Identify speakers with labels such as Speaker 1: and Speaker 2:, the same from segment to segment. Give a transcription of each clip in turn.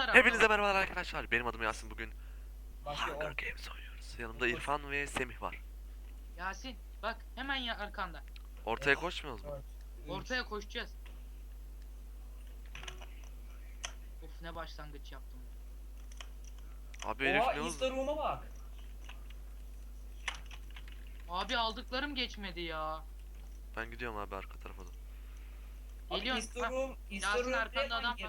Speaker 1: var araba
Speaker 2: Hepinize
Speaker 1: var.
Speaker 2: merhaba arkadaşlar. Benim adım Yasin. Bugün
Speaker 3: Başlıyor
Speaker 2: Hunger
Speaker 3: 10.
Speaker 2: Games oynuyoruz. Yanımda
Speaker 3: 9,
Speaker 2: İrfan ve Semih var.
Speaker 1: Yasin bak hemen ya arkanda.
Speaker 2: Ortaya
Speaker 3: 5,
Speaker 2: koşmuyoruz mu?
Speaker 3: 4, 3.
Speaker 1: Ortaya koşacağız. Of ne başlangıç yaptım.
Speaker 2: Abi herif
Speaker 3: Oha
Speaker 2: ne
Speaker 3: Easter
Speaker 2: oldu?
Speaker 3: Room'a bak.
Speaker 1: Abi aldıklarım geçmedi ya.
Speaker 2: Ben gidiyorum abi arka tarafa da.
Speaker 3: Abi
Speaker 1: Geliyorsun.
Speaker 3: Easter Room, Easter
Speaker 1: Yasin
Speaker 3: Room
Speaker 1: arkanda
Speaker 3: resmen
Speaker 1: adam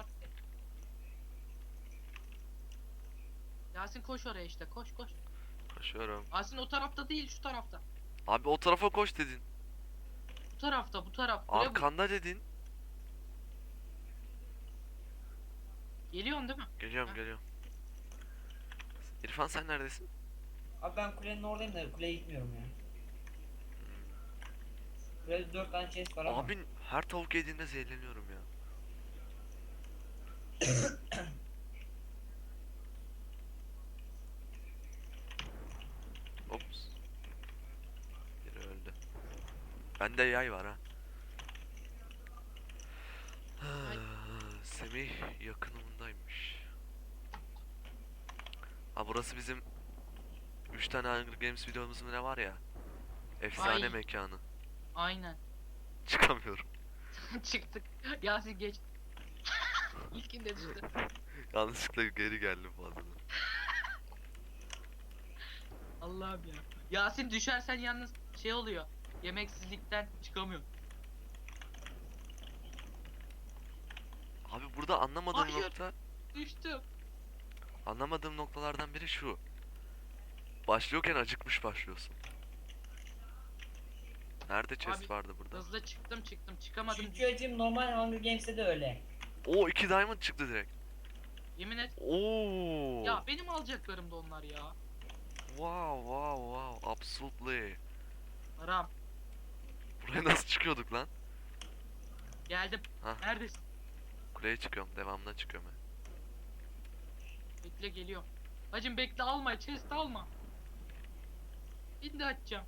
Speaker 3: girdi.
Speaker 1: var. Yasin koş oraya işte koş koş.
Speaker 2: Koşuyorum.
Speaker 1: Yasin o tarafta değil şu tarafta.
Speaker 2: Abi o tarafa koş dedin.
Speaker 1: Bu tarafta bu taraf. Kule bu.
Speaker 2: Arkanda dedin.
Speaker 1: Geliyorsun değil mi?
Speaker 2: Geliyorum
Speaker 1: Ha.
Speaker 2: geliyorum. İrfan sen neredesin?
Speaker 3: Abi ben kulenin oradayım da kuleye gitmiyorum ya. Kulede 4 tane chest var ama.
Speaker 2: Abi her tavuk yediğinde zehirleniyorum ya. Ops. Biri öldü. Bende yay var ha.
Speaker 1: Ay.
Speaker 2: Semih yakınımdaymış. Ha burası bizim 3 tane Hunger Games videomuz mu ne var ya? Efsane
Speaker 1: Ay.
Speaker 2: mekanı.
Speaker 1: Aynen.
Speaker 2: Çıkamıyorum.
Speaker 1: Çıktık. Yasin geç. İlkinde düştü.
Speaker 2: Yanlışlıkla geri geldim fazla.
Speaker 1: Allah'ım ya. Yasin düşersen yalnız şey oluyor. Yemeksizlikten çıkamıyor.
Speaker 2: Abi burada anlamadığım
Speaker 1: Hayır.
Speaker 2: nokta,
Speaker 1: Düştüm.
Speaker 2: anlamadığım noktalardan biri şu. Başlıyorken acıkmış başlıyorsun. Nerede chest
Speaker 1: Abi,
Speaker 2: vardı burada?
Speaker 1: Hızlı çıktım çıkamadım.
Speaker 3: Çünkü acım normal Hunger Games'te de öyle.
Speaker 2: Oo 2 diamond çıktı direkt.
Speaker 1: Yemin et.
Speaker 2: Oo.
Speaker 1: Ya benim alacaklarım da onlar ya.
Speaker 2: Wow wow wow absolutely.
Speaker 1: Haram.
Speaker 2: Buraya nasıl çıkıyorduk lan?
Speaker 1: Geldim.
Speaker 2: Hah.
Speaker 1: Neredesin?
Speaker 2: Kuleye çıkıyorum, devamına çıkıyorum ben.
Speaker 1: Bekle geliyorum. Hacım bekle alma chest alma. Şimdi açacağım.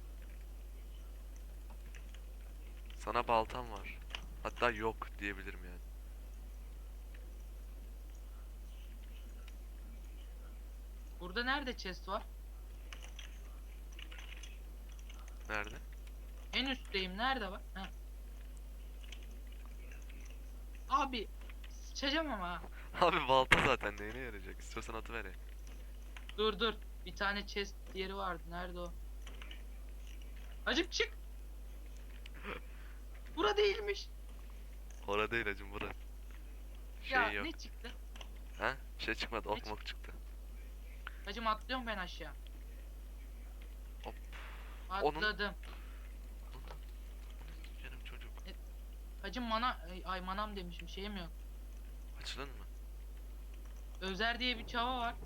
Speaker 2: Sana baltam var. Hatta yok diyebilirim yani.
Speaker 1: Burada nerede chest var?
Speaker 2: Nerede?
Speaker 1: En üstteyim. Nerede var? Heh. Abi sıçacağım ama ha.
Speaker 2: Abi balta zaten neyine yarayacak? İstiyorsan atıver ya.
Speaker 1: Dur. Bir tane chest yeri vardı. Nerede o? Hacım çık. Bura değilmiş.
Speaker 2: Orada değil hacım bura.
Speaker 1: Ya
Speaker 2: Şey yok.
Speaker 1: ne çıktı?
Speaker 2: Ha? Bir şey çıkmadı, ok
Speaker 1: Ne
Speaker 2: mok çıktı.
Speaker 1: Hacım atlıyorum ben aşağı.
Speaker 2: Hop.
Speaker 1: Atladım.
Speaker 2: Canım çocuk.
Speaker 1: Hacım ay manam demişim şeyim yok.
Speaker 2: Açılın mı?
Speaker 1: Özer diye bir çava var.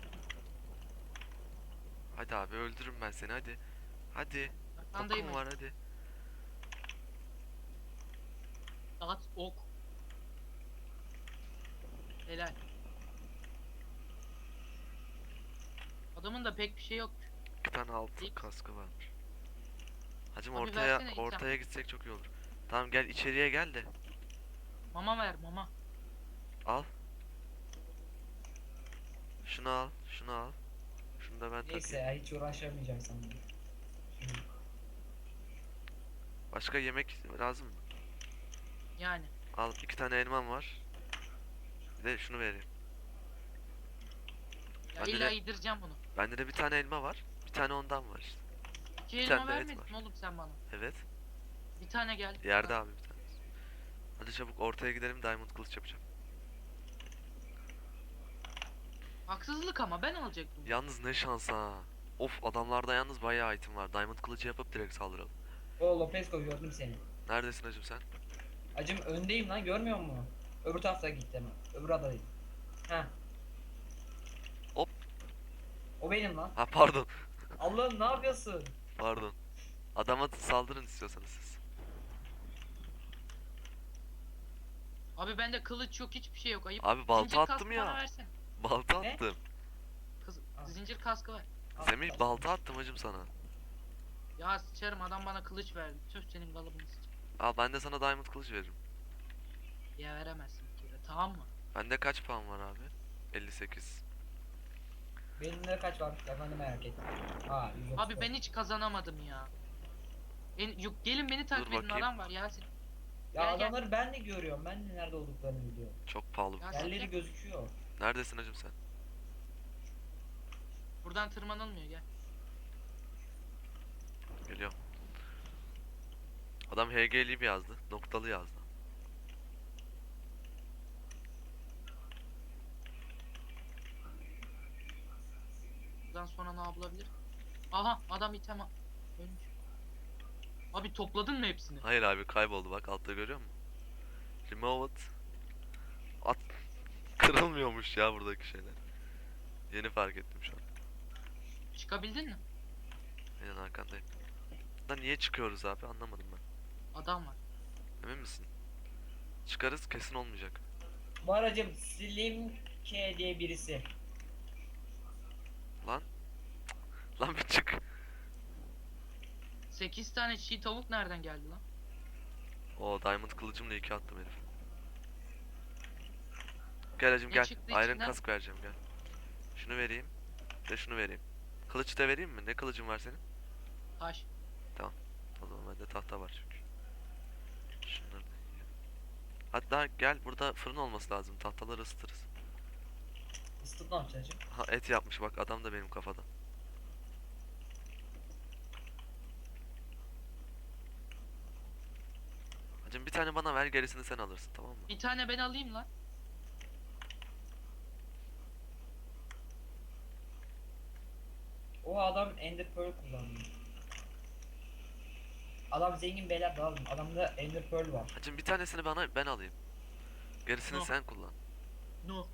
Speaker 2: Hadi abi öldürürüm ben seni hadi. Hadi.
Speaker 1: Arkandayım
Speaker 2: Okum var
Speaker 1: hacım.
Speaker 2: hadi.
Speaker 1: At ok. Helal. Adamın da pek bir şey yok.
Speaker 2: 2 tane altın
Speaker 1: Değil.
Speaker 2: kaskı varmış. Hacım
Speaker 1: Abi
Speaker 2: ortaya
Speaker 1: versene item.
Speaker 2: ortaya gitsek çok iyi olur. Tamam gel içeriye gel de.
Speaker 1: Mama ver mama.
Speaker 2: Al. Şunu al, şunu al. Şunu da ben
Speaker 3: Neyse
Speaker 2: takayım.
Speaker 3: ya hiç uğraşamayacağım sanırım.
Speaker 2: Başka yemek lazım mı?
Speaker 1: Yani.
Speaker 2: Al 2 tane elmam var. Bir de şunu vereyim.
Speaker 1: Ya
Speaker 2: Bende
Speaker 1: illa
Speaker 2: de-
Speaker 1: yedireceğim bunu.
Speaker 2: Bende de bir tane elma var. Bir tane ondan var işte.
Speaker 1: İki
Speaker 2: Bir
Speaker 1: elma
Speaker 2: tane de et
Speaker 1: vermedin
Speaker 2: var.
Speaker 1: oğlum sen bana.
Speaker 2: Evet.
Speaker 1: Bir tane geldi.
Speaker 2: Yerde abi bir tane. Hadi çabuk ortaya gidelim diamond kılıç yapacağım.
Speaker 1: Haksızlık ama ben alacaktım.
Speaker 2: Yalnız ne şans ha. Of adamlarda yalnız bayağı item var. Diamond kılıcı yapıp direkt saldıralım.
Speaker 3: O Lopezko gördüm seni.
Speaker 2: Neredesin hacım sen?
Speaker 3: Acım öndeyim lan görmüyor musun? Öbür tarafta gittim. Öbür adadayım. Ha.
Speaker 2: Hop.
Speaker 3: O benim lan.
Speaker 2: Ha pardon.
Speaker 3: Allah'ım ne yapıyorsun?
Speaker 2: Pardon. Adama saldırın istiyorsanız siz.
Speaker 1: Abi bende kılıç yok hiçbir şey yok ayıp.
Speaker 2: Abi balta
Speaker 1: Zincir
Speaker 2: attım
Speaker 1: kaskı
Speaker 2: ya.
Speaker 1: bana versene.
Speaker 2: Balta
Speaker 3: Ne?
Speaker 2: attım.
Speaker 3: Al.
Speaker 1: Zincir kaskı ver.
Speaker 3: Al.
Speaker 2: Semih balta attım hacım sana.
Speaker 1: Ya sıçarım adam bana kılıç verdi. Tüh senin kalıbını sıçarım.
Speaker 2: Al ben de sana diamond kılıç veririm.
Speaker 1: Ya veremezsin bir kere tamam mı?
Speaker 2: Bende kaç puan var abi? 58.
Speaker 3: Benimle kaç var? Ben de merak ettim. Aa 134.
Speaker 1: Abi ben hiç kazanamadım ya. Yok gelin beni takip edin,
Speaker 2: bakayım.
Speaker 1: adam var Yasin.
Speaker 3: Ya
Speaker 1: Gel, gel.
Speaker 3: adamları ben de görüyorum. Ben de nerede olduklarını biliyorum.
Speaker 2: Çok pahalı.
Speaker 1: Ya
Speaker 3: Yerleri
Speaker 1: gel.
Speaker 3: gözüküyor.
Speaker 2: Neredesin hacım sen?
Speaker 1: Buradan tırmanılmıyor, gel.
Speaker 2: Geliyorum. Adam HG'li bir yazdı. Noktalı yazdı.
Speaker 1: Buradan sonra ne yapılabilir? Aha adam ölmüş. Abi topladın mı hepsini?
Speaker 2: Hayır abi, kayboldu, bak altta görüyor musun? Removed. At. Kırılmıyormuş ya buradaki şeyler. Yeni fark ettim şu an.
Speaker 1: Çıkabildin mi?
Speaker 2: Aynen arkandayım. Da niye çıkıyoruz abi, anlamadım ben.
Speaker 1: Adam var.
Speaker 2: Emin misin? Çıkarız, kesin olmayacak.
Speaker 3: Bu aracım Slim K diye birisi.
Speaker 2: Lan. Lan bir çık.
Speaker 1: 8 tane çiğ tavuk nereden geldi lan?
Speaker 2: O diamond kılıcımla 2 attım herif. Gel hacım
Speaker 1: Ne
Speaker 2: gel.
Speaker 1: çıktı
Speaker 2: Iron
Speaker 1: içinden?
Speaker 2: kask vereceğim, gel. Şunu vereyim. Bir de şunu vereyim. Kılıç da vereyim mi? Ne kılıcın var senin?
Speaker 1: Taş.
Speaker 2: O zaman bende tahta var çünkü. Şunları da yiyelim. Hatta gel, burada fırın olması lazım. Tahtaları ısıtırız.
Speaker 3: Isıtıp ne yapacaksın hacım?
Speaker 2: Ha, et yapmış bak adam da benim kafada. Hacım bir tane bana ver, gerisini sen alırsın, tamam mı?
Speaker 1: Bir tane ben alayım lan.
Speaker 3: O adam Ender Pearl kullandı. Adam zengin beyler lazım. Adamda Ender Pearl var.
Speaker 2: Hacım bir tanesini bana, ben alayım. Gerisini
Speaker 1: No.
Speaker 2: sen kullan.
Speaker 1: No.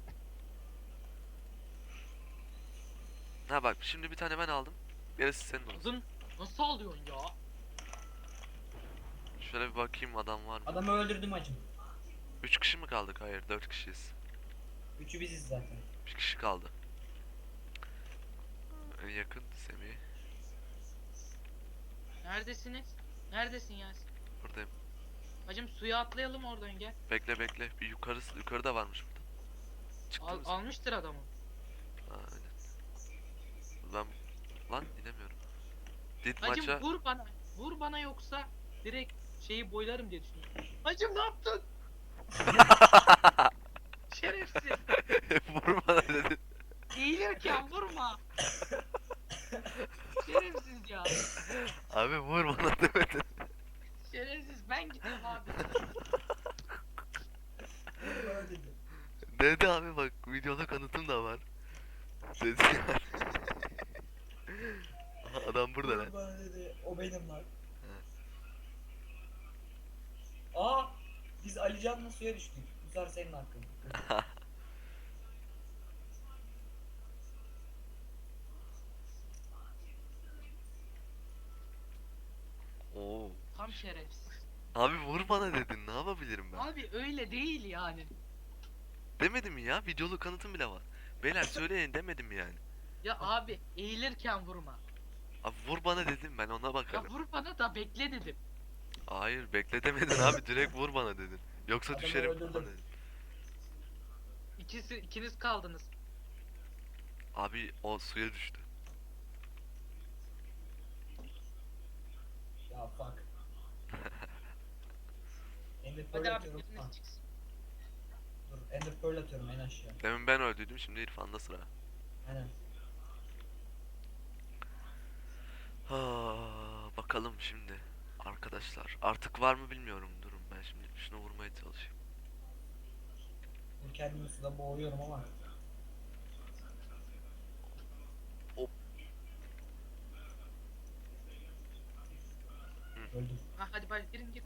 Speaker 2: Ha bak, şimdi bir tane ben aldım. Gerisi senin olsun.
Speaker 1: Kızım nasıl alıyorsun ya?
Speaker 2: Şöyle bir bakayım, adam var mı?
Speaker 3: Adamı öldürdüm hacım.
Speaker 2: 3 kişi mi kaldık? Hayır, 4 kişiyiz.
Speaker 3: Üçü biziz zaten.
Speaker 2: 1 kişi kaldı. En yakın Semih.
Speaker 1: Neredesiniz? Neredesin Yasin?
Speaker 2: Buradayım.
Speaker 1: Hacım suya atlayalım oradan, gel.
Speaker 2: Bekle. Bir yukarıda varmış burada. Çıktı mı sen?
Speaker 1: Almıştır adamı.
Speaker 2: Ha, aynen. Ben lan inemiyorum. Dit
Speaker 1: Hacım
Speaker 2: maça
Speaker 1: vur bana. Vur bana yoksa direkt şeyi boylarım diye düşünüyorum. Hacım ne yaptın? Şerefsiz.
Speaker 2: vurma dedin.
Speaker 1: Eğilirken vurma. Şerefsiz ya.
Speaker 2: Abi vur bana demedin.
Speaker 1: Şerefsiz, ben gidiyorum abi.
Speaker 3: Bana dedi.
Speaker 2: Dedi abi, bak videoda kanıtım da var. Dedi yani. Aha, adam burada lan.
Speaker 3: Bana dedi. O benim lan. Aa! Biz Alican'la suya düştük. Bu sefer senin hakkın.
Speaker 2: Oo.
Speaker 1: Tam şerefsiz.
Speaker 2: Abi vur bana dedin, ne yapabilirim ben?
Speaker 1: Abi öyle değil yani.
Speaker 2: Demedim mi ya, videolu kanıtım bile var. Beyler söyleyin demedim mi yani?
Speaker 1: Ya abi eğilirken vurma.
Speaker 2: Abi vur bana dedim, ben ona
Speaker 1: Ya
Speaker 2: bakarım.
Speaker 1: vur bana da bekle dedim.
Speaker 2: Hayır bekle demedin abi, direkt vur bana dedin. Yoksa
Speaker 3: Adamı
Speaker 2: düşerim
Speaker 3: öldürdüm.
Speaker 2: falan dedin.
Speaker 1: İkiniz kaldınız.
Speaker 2: Abi o suya düştü.
Speaker 3: Ya fuck. Ender Pearl
Speaker 1: Hadi abi
Speaker 3: atıyorum. Ha,
Speaker 1: biriniz çıksın.
Speaker 3: dur. Ender Pearl atıyorum en aşağı.
Speaker 2: Demin ben öldüydüm, şimdi İrfan'da sıra.
Speaker 3: Aynen.
Speaker 2: Ha, bakalım şimdi. Arkadaşlar artık var mı bilmiyorum, durun ben şimdi şunu vurmaya çalışayım.
Speaker 3: Dur kendimi suda boğuyorum ama.
Speaker 2: Hop.
Speaker 3: Öldüm.
Speaker 1: Ha hadi bay girin gir.